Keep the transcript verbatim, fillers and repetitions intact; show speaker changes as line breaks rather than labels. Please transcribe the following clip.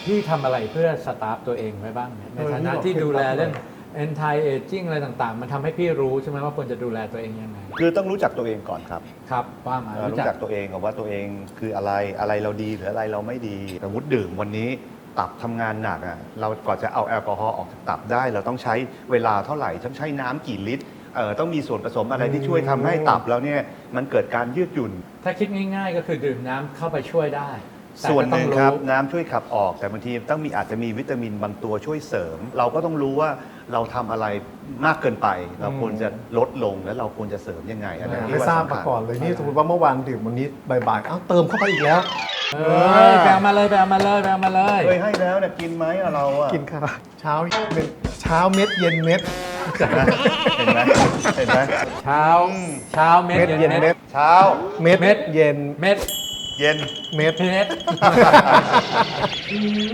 พี่ทำอะไรเพื่อสตาฟตัวเองไว้บ้างเนี่ยในฐานะที่ดูแลเรื่อง anti aging อะไรต่างๆ มันทำให้พี่รู้ใช่ไหมว่าควรจะดูแลตัวเองยังไง
คือต้องรู้จักตัวเองก่อนครับ
ครับว่ามา
เอ่อรู้จักตัวเองก่อนว่าตัวเองคืออะไรอะไรเราดีหรืออะไรเราไม่ดีสมมติดื่มวันนี้ตับทำงานหนักอ่ะเราก่อนจะเอาแอลกอฮอล์ออกจากตับได้ เราต้องใช้เวลาเท่าไหร่ต้องใช้น้ำกี่ลิตรเอ่อต้องมีส่วนผสมอะไรที่ช่วยทำให้ตับแล้วเนี่ยมันเกิดการยืดหยุ่น
ถ้าคิดง่ายๆ ก็คือดื่มน้ำเข้าไปช่วยได้แต่
ส่วน
ก็
ห
ต้อ
นึ่
ง
งครับ
รู้
น้ำช่วยขับออกแต่บางทีต้องมีอาจจะมีวิตามินบางตัวช่วยเสริม เราก็ต้องรู้ว่าเราทำอะไรมากเกินไป เราควรจะลดลงแล้วเราควรจะเสริมยังไงอันนี้
ไม่ทราบมาก่อนเลยนี่สมมติว่าเมื่อวานดื่มวันนี้บ่ายๆเอ้าเติมเข้าไปอีกแล้ว
เอ้ยไปเอามาเลยไปเอามาเลยไปเอามาเลย
เคยให้แล้วเนี่ยกินไหมอะเราอะ
กินข้าวเช้าเม็ดเช้าเม็ดเย็นเม็ด
เห็นไหมเห็นไหมเห็นไหม
เช้าเช้าเม็ด
เม็ดเย็นเม็ด
เช้า
เม็ดเย็น
เม็ด
เย็น
เม็ด
เม็ด